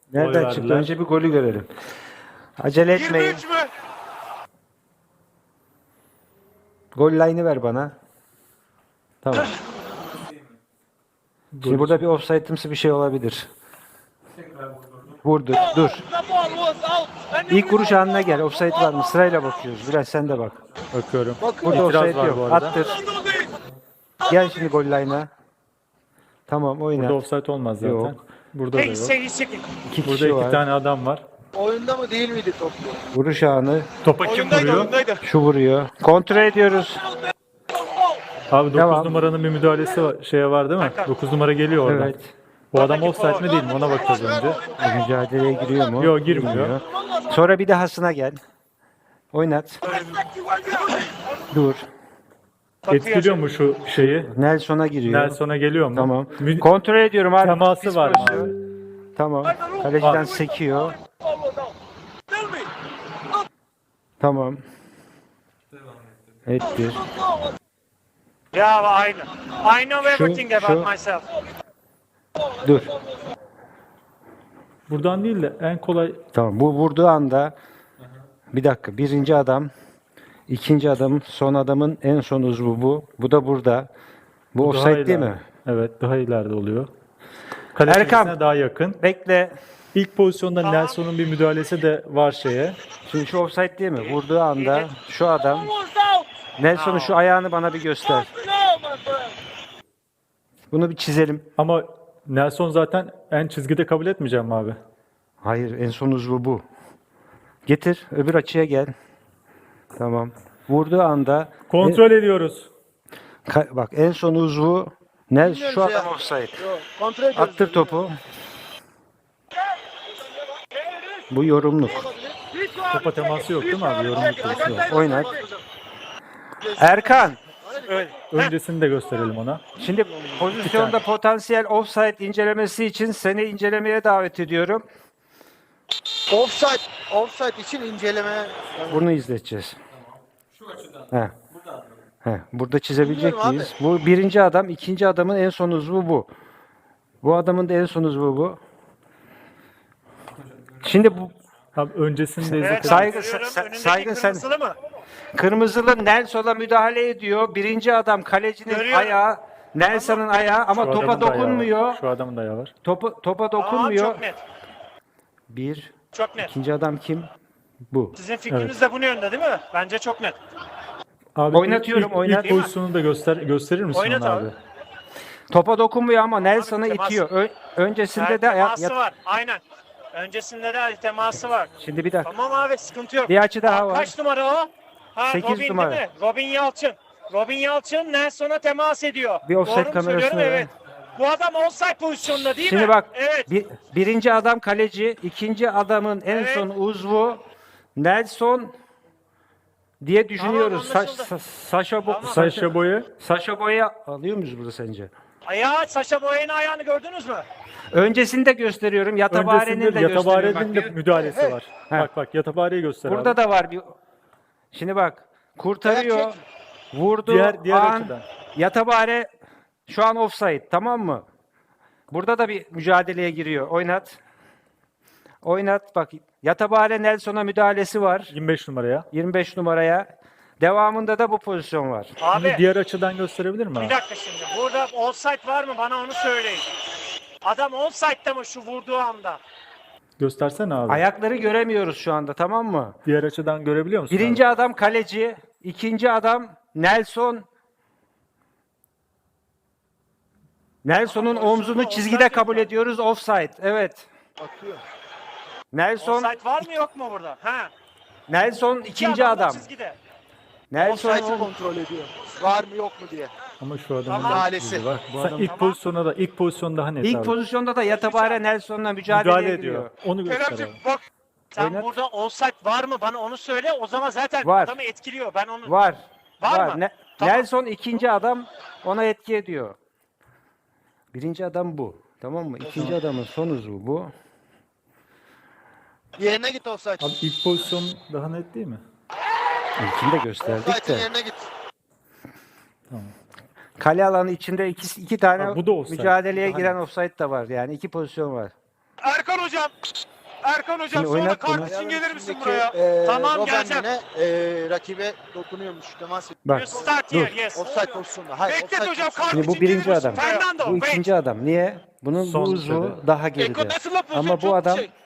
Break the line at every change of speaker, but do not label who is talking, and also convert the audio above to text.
Nereden
Gol
çıktı?
verdiler.
Önce bir golü görelim. Acele etmeyin.
23 mü?
Gol line'ı ver bana. Tamam. Şimdi burada bir offside'ımsı bir şey olabilir. Vurdu. Dur.
The ball was out. And
İlk vuruş anına gel. Offside var mı? Sırayla bakıyoruz. Biraz sen de bak.
Bakıyorum.
Burada
İtiraz
offside
var
yok.
bu arada.
Attır. Gel şimdi gol line'a. Tamam oyna.
Burada offside olmaz zaten.
Yok.
Burada da yok.
İki
Burada
kişi
iki
var.
tane adam var.
Oyunda mı değil miydi top?
Vuruş anı.
Topa kim
Oyundaydı,
vuruyor?
oyundaydı.
Şu vuruyor. Kontrol ediyoruz.
Abi 9
Devam.
numaranın bir müdahalesi var, var değil mi? 9 numara geliyor oradan.
Evet.
Bu adam offside mi değil mi? Ona bakacağız önce.
Mücadeleye giriyor mu?
Yok, girmiyor.
Sonra bir dahasına gel. Oynat. Dur.
Etkiliyor mu şu şeyi?
Nelson'a giriyor.
Nelson'a geliyor mu?
Tamam.
Mü-
Kontrol ediyorum abi.
Teması
Pis
var mı
pozisyon.
abi?
Tamam. Kaleciden
Abi.
sekiyor.
Tell me.
Tamam. Ettir.
Yeah, I know everything about
şu.
myself.
Dur.
Buradan değil de en kolay
Tamam. Bu vurduğu anda bir dakika. Birinci adam, ikinci adam, son adamın en son uzvu bu. Bu da burada. Bu
daha
offside değil
ileride.
mi?
Evet, daha ileride oluyor. Kale
Erkan.
çizgisine daha yakın.
Bekle.
İlk pozisyonda Nelson'un bir müdahalesi de var şeye.
Şimdi şu offside değil mi? Vurduğu anda şu adam
Almost out.
Nelson'un şu ayağını bana bir göster.
No, my friend.
Bunu bir çizelim.
Ama Nelson zaten en çizgide kabul etmeyeceğim abi.
Hayır, en son uzvu bu. Getir, öbür açıya gel. Tamam. Vurduğu anda
Kontrol ediyoruz.
bak en son uzvu ne?
Bilmiyorum
Şu
şey
adam
ya.
offside.
Yok, kontrol ediyoruz.
Attır topu. Bu yorumluk.
Topa teması yok değil mi abi? Yorumluk pozisyonu.
Oynat. Erkan,
Öncesini de gösterelim ona.
şimdi pozisyonda potansiyel offside incelemesi için seni incelemeye davet ediyorum.
Offside için inceleme.
Bunu izleteceğiz. He. He. Burada çizebilecek
Bilmiyorum
miyiz? Bu birinci adam, ikinci adamın en son uzvu bu. Bu adamın da en son uzvu bu. Şimdi bu
Abi öncesini de
Evet,
izletelim.
Saygı-
görüyorum.
sa-
Önündeki
saygın sen-
kırmızılı mı?
kırmızılı Nelson'a müdahale ediyor. Birinci adam kalecinin
Görüyorum.
ayağı, Nelson'ın ayağı ama
Şu
topa
adamın da ayağı var.
dokunmuyor.
Şu adamın da ayağı var.
Topa
Aa,
dokunmuyor.
çok net.
Bir.
Çok net.
İkinci adam kim? Bu.
Sizin fikriniz de bu yönde değil mi? Bence çok net.
Abi
Oynatıyorum,
ilk
oynat.
pozisyonu da gösterir misin
Oynat
ona
abi.
abi?
Topa dokunmuyor ama Nelson'ı
temas.
itiyor. Öncesinde
Evet,
de
teması var. Aynen. Öncesinde de teması var.
Şimdi bir dakika.
Tamam abi, sıkıntı yok.
Bir açı daha var.
Kaç numara o? Ha,
8
Robin
numara.
değil mi? Robin Yalçın. Robin Yalçın Nelson'a temas ediyor.
Bir offside
Doğru mu
kamerasına
söylüyorum?
ver.
Evet. Bu adam offside pozisyonunda değil
Şimdi
mi?
bak.
Evet.
Birinci adam kaleci, ikinci adamın en
Evet.
son uzvu Nelson diye düşünüyoruz.
Tamam, anlaşıldı.
Saşa boyu.
Saşa Boy'u alıyor muyuz burada sence?
Ayağı, Saşa Boya'nın ayağını gördünüz mü?
Öncesini de gösteriyorum. Yatabare'nin de
Öncesinde
gösteriyorum.
Yatabare'nin de
Bak,
müdahalesi var.
Heh.
Bak Yatabare'yi göster
burada
abi.
da var bir. Şimdi bak. Kurtarıyor.
Evet,
Vurdu.
Diğer
an.
açıdan.
Yatabare şu an offside. Tamam mı? Burada da bir mücadeleye giriyor. Oynat. Oynat. Bak. Yatabare Nelson'a müdahalesi var.
25 numaraya.
25 numaraya. Devamında da bu pozisyon var.
Abi
Şimdi diğer açıdan gösterebilir mi
bir
abi?
dakika şimdi. Burada offside var mı? Bana onu söyleyin. Adam offside'da mı şu vurduğu anda?
Göstersene abi.
Ayakları göremiyoruz şu anda, tamam mı?
Diğer açıdan görebiliyor musun?
Birinci adam kaleci, ikinci adam Nelson. Nelson'un omzunu çizgide kabul ediyoruz. Offside. Evet.
Atıyor.
Nelson
Offside var mı yok mu burada? Ha.
Nelson ikinci
adam da
adam.
çizgide.
Nelson
Offside'ı kontrol ediyor. Var mı yok mu diye.
Ama şu adamın
Tamam.
da
Müdahalesi.
yüzü var.
Bu
Sen
adam-
ilk pozisyon daha net
ilk
abi.
pozisyonda da Yatabare Nelson'la mücadeleye
Müdahale
giriyor.
ediyor. Onu göster
Keremciğim
abi.
bak. Sen
Oynat.
burada offside var mı? Bana onu söyle. O zaman zaten
Var.
adamı etkiliyor. Ben onu...
Var.
Var mı? Tamam.
Nelson ikinci adam, ona etki ediyor. Birinci adam bu. Tamam mı? İkinci adamın son uzvu bu.
Yerine git offside.
Abi ilk pozisyon daha net değil mi?
İlkini de gösterdik
Offside'ın
de.
yerine git.
Kale alanı içinde iki tane
Ha, bu da offside.
mücadeleye
Daha
giren offside da var. Yani iki pozisyon var.
Erkan hocam. Erkan hocam
Şimdi
sonra
oynat bunu.
kart için gelir misin
Üstündeki,
buraya? Tamam,
Robben
geleceğim.
yine, rakibe dokunuyormuş. Temas ediyor.
Bak
You start
dur.
here, yes.
Offside pozisyonunda. Hayır,
Beklet
offside
hocam,
pozisyonunda.
Şimdi bu
için gelir
birinci
misin?
adam.
Fernando,
Bu
wait.
ikinci adam. Niye? Bunun
Son
bu uzvu
sürede.
daha geride. Ama bu adam